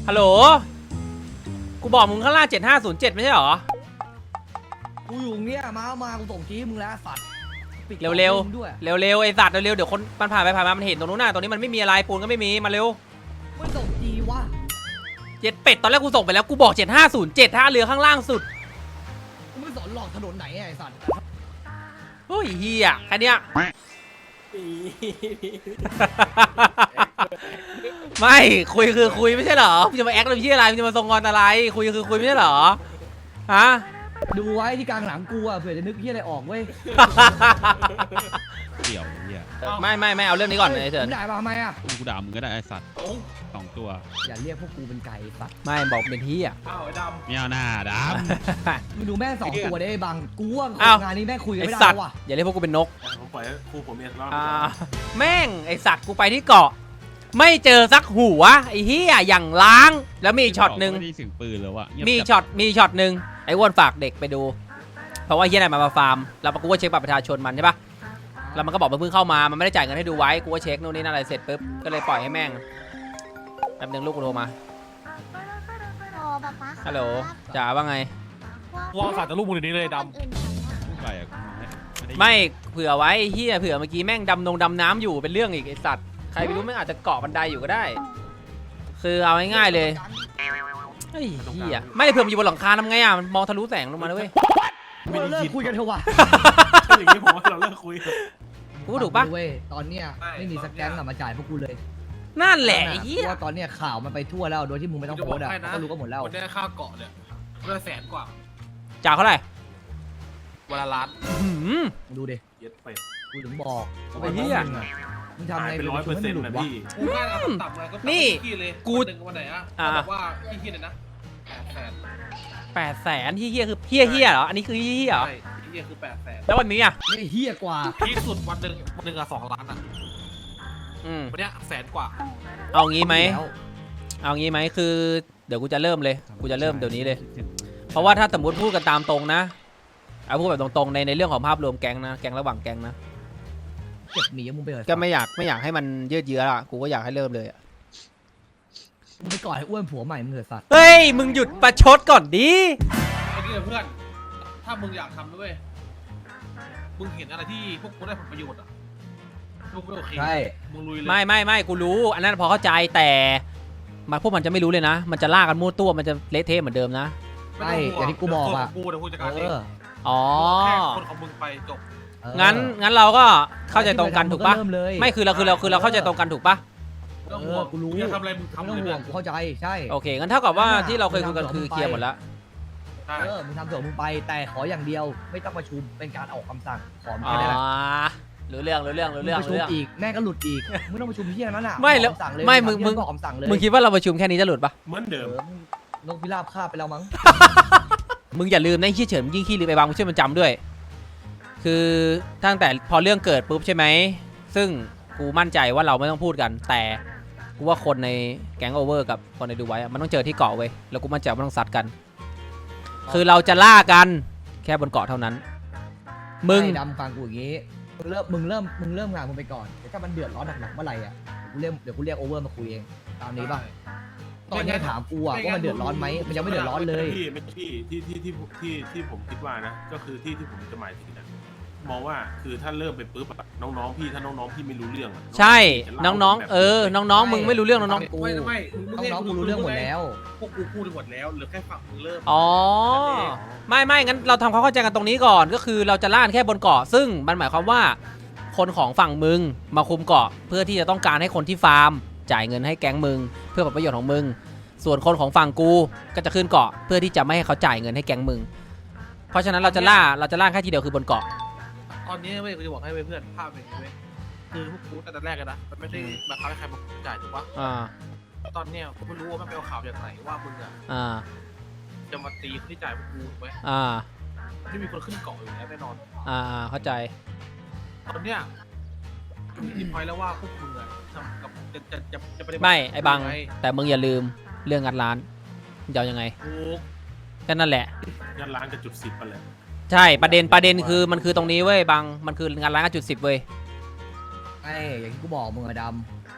ฮัลโหลกูบอกมึงข้างล่าง7507ไม่ใช่หรอกูอยู่เนี่ยมากูส่งจี้มึงแล้วสัตว์เร็วไอ้สัตว์เร็วเดี๋ยวคนมันผ่านไปผ่านมามันเห็นตรงนู้นน่ะตรงนี้มันไม่มีอะไรปูนก็ไม่มีมาเร็วไม่ส่งจี้วะเจ็ดเป็ดตอนแรกกูส่งไปแล้วกูบอก7507ท่าเรือข้างล่างสุดกูไม่สอนหลอกถนนไหนไอ้สัตว์โอ้ยเฮียแค่เนี้ยไม่คุยคือคุยไม่ใช่เหรอมึงจะมาแอคอะไรพี่อะไรมึงจะมาทรงงอนอะไรคุยคือคุยไม่ใช่เหรอฮะดูไว้ที่กลางหลังกูอ่ะเผื่อจะนึกพี่อะไรออกเว้ยเกี่ยวเนี่ยไม่เอาเรื่องนี้ก่อนเลยเถิดมึงด่ามาทำไมอ่ะกูด่ามึงก็ได้ไอ้สัตว์2 ตัวอย่าเรียกพวกกูเป็นไก่สัตว์ไม่บอกเป็นที่อ่ะอ้าวไอ้ดำไม่เอาหน้าดำมึงดูแม่2 ตัวได้บางกูว่างานนี้แม่คุยกันไม่ได้ว่ะอย่าเรียกพวกกูเป็นนกผมปล่อยครูผมเองรอดแม่งไอสัตว์กูไปที่เกาะไม่เจอสักหัวไอ้เหี้ยอย่างล้างแล้วมีช็อตหนึ่งไม่ได้ถึงปืนแล้วอะมีช็อตหนึ่งไอ้อ้วนฝากเด็กไปดูเพราะว่าเหี้ยไหนมาฟาร์มแล้วกูก็เช็คบัตรประชาชนมันใช่ปะแล้วมันก็บอกมันเพิ่งเข้ามามันไม่ได้จ่ายเงินให้ดูไว้กูก็เช็คนู่นนี่นั่นอะไรเสร็จปุ๊บก็เลยปล่อยให้แม่งแป๊บนึงลูกกูโทรมาฮัลโหลจ๋าว่าไงวางสายแต่ลูกมึงเดี๋ยวนี้เลยดำไม่เผื่อไว้เหี้ยเผื่อเมื่อกี้แม่งดำน้ำอยู่เป็นเรื่องอีกไอสัตว์ใครไม่รู้ไม่อาจจะเกาะบันไดอยู่ก็ได้คือเอาง่ายๆเลยเฮ้ยเหี้ยไม่เผื่อมันอยู่บนหลังคาทำไงอ่ะมันมองทะลุแสงลงมาด้วยเราเลิกคุยกันเถอะวะอย่างนี้ผมว่าเราเลิกคุยกูถูกปะเว้ยตอนเนี้ยไม่มีสแกนมาจ่ายพวกกูเลยนั่นแหละไอ้เหี้ยว่าตอนเนี้ยข่าวมันไปทั่วแล้วโดยที่มึงไม่ต้องโพสต์อ่ะก็รู้ก็หมดแล้ววันนี้ค่าเกาะเนี่ยก็100,000 กว่าจ่ายเท่าไหร่วันละล้านดูดิเย็ดไปกูถึงบอกไอ้เหี้ยมึงทำไงเป็น100%นะพี่กูง่ายเอาต่ำเลยก็นี่กูวันไหนอะบอกว่าพี่คิดเลยนะ 800,000ที่เฮี้ยคือเฮี้ยเหรออันนี้คือเฮี้ยเหรอใช่ที่เฮี้ยคือ800,000 แล้ววันนี้อ่ะไม่เฮี้ยกว่าพีคสุดวันหนึ่งอะ2 ล้านอะวันเนี้ย100,000 กว่าเอางี้ไหมคือเดี๋ยวกูจะเริ่มเลยกูจะเริ่มเดี๋ยวนี้เลยเพราะว่าถ้าสมมติพูดกันตามตรงนะเอาพูดแบบตรงๆในเรื่องของภาพรวมแก๊งนะแก๊งระหว่างแก๊งนะเก็บหนีมึงไปเลยก็ไม่อยากให้มันยืดเยื้อละกูก็อยากให้เริ่มเลยมึงไปก่อนให้อ้วนผัวใหม่มึงเถอะสัตว์เฮ้ยมึงหยุดประชดก่อนดิไอ้นี่เพื่อนถ้ามึงอยากทำด้วยมึงเห็นอะไรที่พวกกูได้ผลประโยชน์อ่ะพวกกูโอเคใช่มึงลุยเลยไม่กูรู้อันนั้นพอเข้าใจแต่พวกมันจะไม่รู้เลยนะมันจะล่ากันมั่วตัวมันจะเละเทะเหมือนเดิมนะใช่อย่างที่กูบอกอ่ะกูเดี๋ยวกูจัดการเองอ๋อแค่คนของมึงไปจบงั้นเราก็เข้าใจตรงกันถูกปะไม่คือเราเข้าใจตรงกันถูกปะกูรู้ทำอะไรมึงทำเลยกูเข้าใจใช่โอเคงั้นเท่ากับว่าที่เราเคยคุยกันคือเคลียร์หมดแล้วมึงทำส่วนมึงไปแต่ขออย่างเดียวไม่ต้องประชุมเป็นการออกคำสั่งขอแค่นั้นแหละรู้เรื่องประชุมอีกแม่ก็หลุดอีกไม่ต้องประชุมที่นั้นอ่ะไม่แล้วไม่มึงคิดว่าเราประชุมแค่นี้จะหลุดปะเหมือนเดิมนกพิราบคาบไปแล้วมั้งมึงอย่าลืมนะขี้เฉินยิ่งขี้ลืมไปบางมึงช่วยมันจำด้วยคือตั้งแต่พอเรื่องเกิดปุ๊บใช่ไหมซึ่งกูมั่นใจว่าเราไม่ต้องพูดกันแต่กูว่าคนในแก๊งโอเวอร์กับคนในดูไว้มันต้องเจอที่เกาะเว้ยแล้วกูมั่นใจว่าต้องซัดกันคือเราจะล่ากันแค่บนเกาะเท่านั้นมึงดำฟังกูอย่างงี้มึงเริ่มงานมึงไปก่อนแต่ถ้ามันเดือดร้อนหนักๆเมื่อไหร่อ่ะเดี๋ยวกูเรียกโอเวอร์มาคุยเองตามนี้ป่ะตอนนี้ถามกูอ่ะว่ามันเดือดร้อนไหมมันยังไม่เดือดร้อนเลยที่ผมคิดว่านะก็คือที่ผมจะหมายถึงมองว่าคือถ้าเริ่มไปปุ๊บน้องๆพี่ถ้าน้องๆพี่ไม่รู้เรื่องใช่น้องน้องมึงไม่รู้เรื่องน้องกูน้องกูรู้เรื่องหมดแล้วพวกกูพูดหมดแล้วเหลือแค่ฝั่งมึงเริ่มอ๋อไม่งั้นเราทำความเข้าใจกันตรงนี้ก่อนก็คือเราจะล่าแค่บนเกาะซึ่งมันหมายความว่าคนของฝั่งมึงมาคุมเกาะเพื่อที่จะต้องการให้คนที่ฟาร์มจ่ายเงินให้แก๊งมึงเพื่อผลประโยชน์ของมึงส่วนคนของฝั่งกูก็จะขึ้นเกาะเพื่อที่จะไม่ให้เขาจ่ายเงินให้แก๊งมึงเพราะฉะนั้นเราจะล่าแค่ทีเดียวคือบนเกาะตอนนี้เว้ยกูจะบอกให้เพื่อนภาพเป็นเว้ยคือพวกกูตั้งแต่แรกกันนะมันไม่ได้บังคับให้ใครมาจ่ายถูกปะตอนเนี้ยกูไม่รู้ว่ามันไปเอาข่าวจากไหนว่ามึงอะจะมาตีคนที่จ่ายพวกกูถูกไหมไม่มีคนขึ้นเกาะอยู่แล้วแน่นอนเข้าใจตอนเนี้ยมีพอยแล้วว่าพวกมึงอะจะไม่ไอ้บังแต่มึงอย่าลืมเรื่องงัดร้านจะเอายังไงแค่นั่นแหละงัดร้านกับจุด10ไปเลยใช่ประเด็นคือมันคือตรงนี้เว้ยบังมันคืองานร้านจุด10เว้ยไอ้อย่างที่กูบอกมึงอะด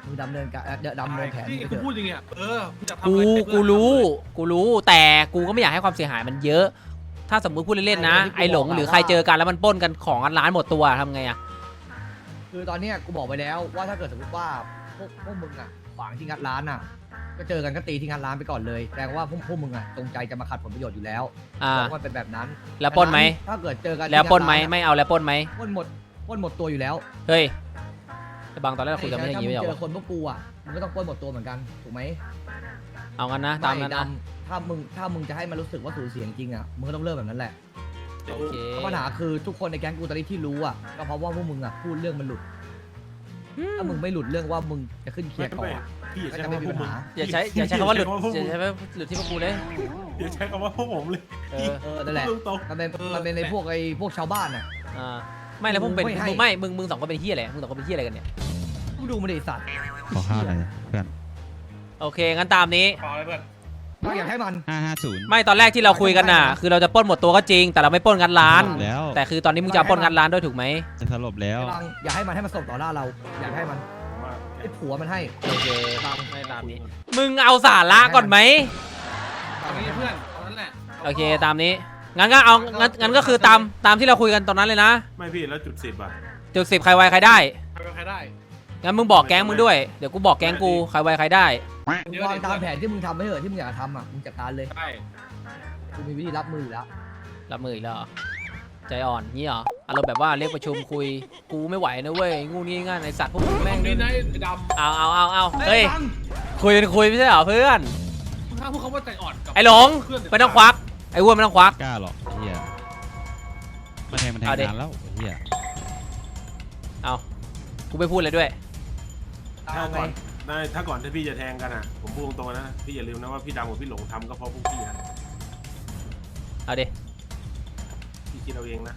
มึงดำเนินการดำเนินแผนที่ไปกูเถอะพูดจริงอ่ะมึงอยากทำกูอะไรให้เพื่อนรู้แต่กูก็ไม่อยากให้ความเสียหายมันเยอะ ถ้าสมมติพูดเล่นๆนะไอ้หลงหรือใครเจอกันแล้วมันปล้นกันของกันร้านหมดตัวทำไงอะคือตอนเนี้ยกูบอกไปแล้วว่าถ้าเกิดสมมติว่าพวกมึงอ่ะขวางที่งัดร้านอ่ะก็เจอกันก็ตีที่งัดร้านไปก่อนเลยแสดงว่าพวกมึงอ่ะจงใจจะมาขัดผลประโยชน์อยู่แล้ว บอกว่าเป็นแบบนั้นแล้วปล้นไหมถ้าเกิดเจอกันแล้วปล้นไหมที่งัดร้าไม่เอาแล้วปล้นไหมปล้นหมดตัวอยู่แล้วเฮ้ยแต่บางตอนแรกเราคุยกันไม่ได้อย่างงี้ไม่ถ้าใช่มึงเหรอเจอคนพวกกูอ่ะมึงก็ต้องปล้นหมดตัวเหมือนกันถูกไหมเอางั้นนะตามนั้นไดนะำถ้ามึงจะให้มันรู้สึกว่าสูญเสียจริงอ่ะมึงก็ต้องเริ่มแบบนั้นแหละโอเคเพราะปัญหาคือทุกคนในแก๊งกูตอนนี้ที่รู้อ่ะก็เพราะว่าพวกมึงอ่ะพูดเรื่องมันหลุดถ้ามึงไม่หลุดเรื่องว่ามึงจะขึ้นเคลียร์ก่อนพี่อย่าก็ใช้จะคำไม่ว่ามีพวกปัญมึงหาอย่าใช้คำว่าหลุดอย่าใช้คำว่าหลุดที่พวกกูเลยอย่าใช้คำว่าพวกผมเลยเออนั่นแหละตรงมันเป็นในพวกชาวบ้านอ่ะไม่แล้วมึงเป็นไม่ให้มึงสองคนเป็นเฮียอะไรมึงสองคนเป็นเฮียอะไรกันเนี่ยกูดูมันดิสัตว์ขอข้าวหน่อยเพื่อนโอเคงั้นตามนี้เปล่าเลยเพื่อนก็อยากให้มัน 550 ไม่ตอนแรกที่เราคุยกันน่ะ คือเราจะปล้นหมดตัวก็จริง แต่เราไม่ปล้นกันร้านแล้วแต่คือตอนนี้มึงจะปล้นกันร้านด้วยถูกไหมจะสลบแล้วอยากให้มันส่งต่อหน้าเรา อยากให้มันว่าไอ้ผัวมันให้โอเคไม่ตามนี้ มึงเอาสาระก่อนไหมเอางี้เพื่อนเอานั้นแหละโอเคตามนี้งั้นก็เอางั้นก็คือตามที่เราคุยกันตอนนั้นเลยนะไม่พี่แล้วจุด 10อ่ะจุด10ใครไวใครได้ใครเป็นใครได้งั้นมึงบอกแก๊งมึงด้วยเดี๋ยวกูบอกแก๊งกูใครไวใครได้มึงวางตามแผนที่มึงทำไม่เหอะที่มึงอยากทำอ่ะ มึงจัดการเลยใช่กูมีวิธีรับมืออยู่แล้วรับมืออีกแล้วเหรอใจอ่อนงี้เหรออารมณ์แบบว่าเรียกประชุมคุยกูไม่ไหวนะเว้ยงูนี่ง่ายไอสัตว์พวกมึงแม่งดีนี่นะไอ้ดำเอาเฮ้ยคุยเป็นคุยไม่ใช่เหรอเพื่อนมึงห้ามพูดคำว่าใจอ่อนกับไอ้หลงเพื่อนไม่ต้องควักไอ้อ้วนไม่ต้องควักกล้าหรอกไอ้เฮียมาแทงเอาดินานแล้วไอ้เฮียเอากูไม่พูดเลยด้วยถ้าก่อนถ้าก่อนที่พี่จะแทงกันอ่ะ ผมพูดตรงๆนะพี่อย่าลืมนะว่าพี่ดำกับพี่หลงทำก็เพราะพวกพี่นะเอาดิพี่คิดเอาเองนะ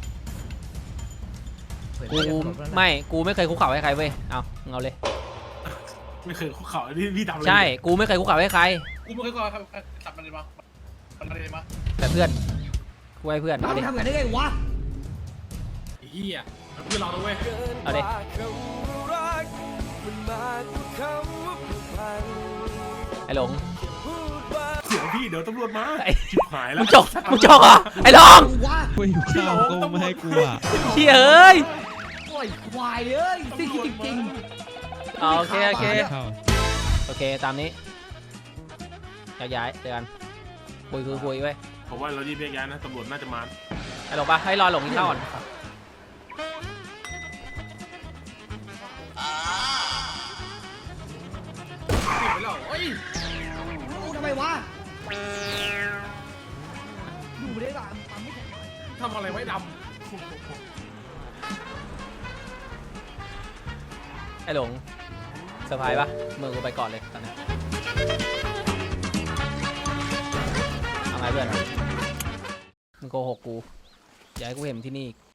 กูไม่เคยคุกเข่าให้ใครเว้ยเอาเลยไม่เคยคุกเข่าพี่ดำเลยใช่กูไม่เคยคุกเข่าให้ใครกูไม่เคยก่อนครับจับมันเลยมามันเลยมาแต่เพื่อนกูให้เพื่อนแล้วเอามึดิงทำกันได้ไงวะไอ้เหี้ยมันเพื่อนเราด้วยเอาดิ ไอ้หลงเดี๋ยวพี่เดี๋ยวตำรวจมาไอ้ชิบหายแล้วมึงจกเหรอไอ้หลงมึงวะกูอยู่ข้าวกูไม่ให้กูอ่ะเฮียเอ้ยโอ้ยควายเอ้ยสิ่งที่จริงเอาโอเคเข้าโอเคตามนี้ย้ายเจอกันคุยไว้ยผมว่าเรารีบแยกย้ายนะตำรวจน่าจะมาไอ้หลงปะให้รอหลงกินข้าวก่อนติดไปแล้วเฮ้ยๆมึงทำไมวะดูไม่ได้ป่ะมันไม่แข็งทำอะไรไว้ดไอ้หลงเซอร์ไพรส์ปะมือกูไปก่อนเลยตอนนี้เอาไงเพื่อนมึงโกหกกูอย่าให้กูเห็นที่นี่อีก